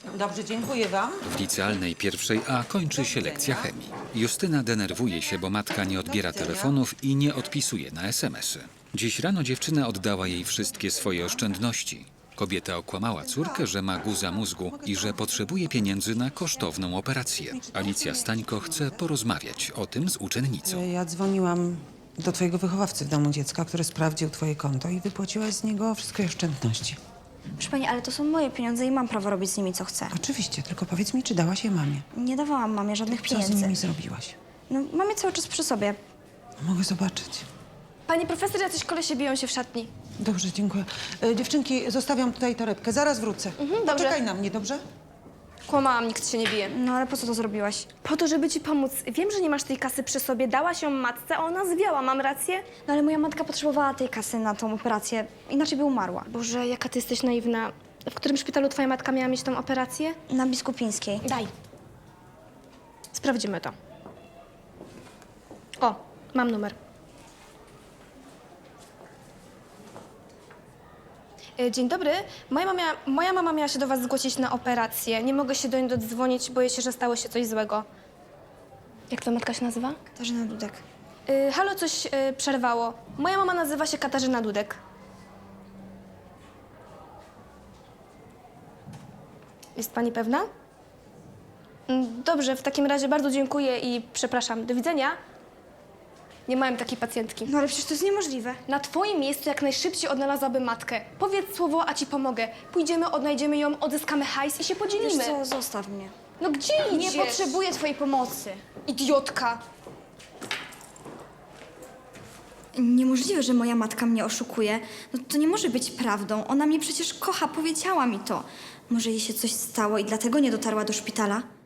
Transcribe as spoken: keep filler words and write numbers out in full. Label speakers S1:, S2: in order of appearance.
S1: Dobrze, dziękuję wam.
S2: W licealnej pierwszej A kończy się lekcja chemii. Justyna denerwuje się, bo matka nie odbiera telefonów i nie odpisuje na es em esy. Dziś rano dziewczyna oddała jej wszystkie swoje oszczędności. Kobieta okłamała córkę, że ma guza mózgu i że potrzebuje pieniędzy na kosztowną operację. Alicja Stańko chce porozmawiać o tym z uczennicą.
S1: Ja dzwoniłam do twojego wychowawcy w domu dziecka, który sprawdził twoje konto i wypłaciłaś z niego wszystkie oszczędności.
S3: Proszę pani, ale to są moje pieniądze i mam prawo robić z nimi, co chcę.
S1: Oczywiście, tylko powiedz mi, czy dałaś je mamie?
S3: Nie dawałam mamie żadnych
S1: Co z
S3: pieniędzy.
S1: nimi zrobiłaś?
S3: No, mam je cały czas przy sobie.
S1: Mogę zobaczyć.
S4: Pani profesor, jacyś kolesie biją się w szatni.
S1: Dobrze, dziękuję. E, dziewczynki, zostawiam tutaj torebkę. Zaraz wrócę.
S4: Mhm, dobrze.
S1: Poczekaj na mnie, dobrze?
S4: Kłamałam, nikt się nie bije.
S3: No ale po co to zrobiłaś?
S4: Po to, żeby ci pomóc. Wiem, że nie masz tej kasy przy sobie. Dałaś ją matce, a ona zwiała. Mam rację?
S3: No ale moja matka potrzebowała tej kasy na tą operację, inaczej by umarła.
S4: Boże, jaka ty jesteś naiwna. W którym szpitalu twoja matka miała mieć tą operację?
S3: Na Biskupińskiej.
S4: Daj. Sprawdzimy to. O, mam numer. E, Dzień dobry. Moja mama, moja mama miała się do was zgłosić na operację. Nie mogę się do niej dodzwonić, boję się, że stało się coś złego. Jak twoja matka się nazywa?
S3: Katarzyna Dudek.
S4: Y, halo, coś y, przerwało. Moja mama nazywa się Katarzyna Dudek. Jest pani pewna? Mm, Dobrze, w takim razie bardzo dziękuję i przepraszam. Do widzenia. Nie miałem takiej pacjentki.
S3: No ale przecież to jest niemożliwe.
S4: Na twoim miejscu jak najszybciej odnalazłabym matkę. Powiedz słowo, a ci pomogę. Pójdziemy, odnajdziemy ją, odzyskamy hajs i się
S3: Wiesz
S4: podzielimy.
S3: co, zostaw mnie.
S4: No gdzie idziesz?
S3: Nie potrzebuję twojej pomocy.
S4: Idiotka.
S3: Niemożliwe, że moja matka mnie oszukuje. No to nie może być prawdą. Ona mnie przecież kocha, powiedziała mi to. Może jej się coś stało i dlatego nie dotarła do szpitala?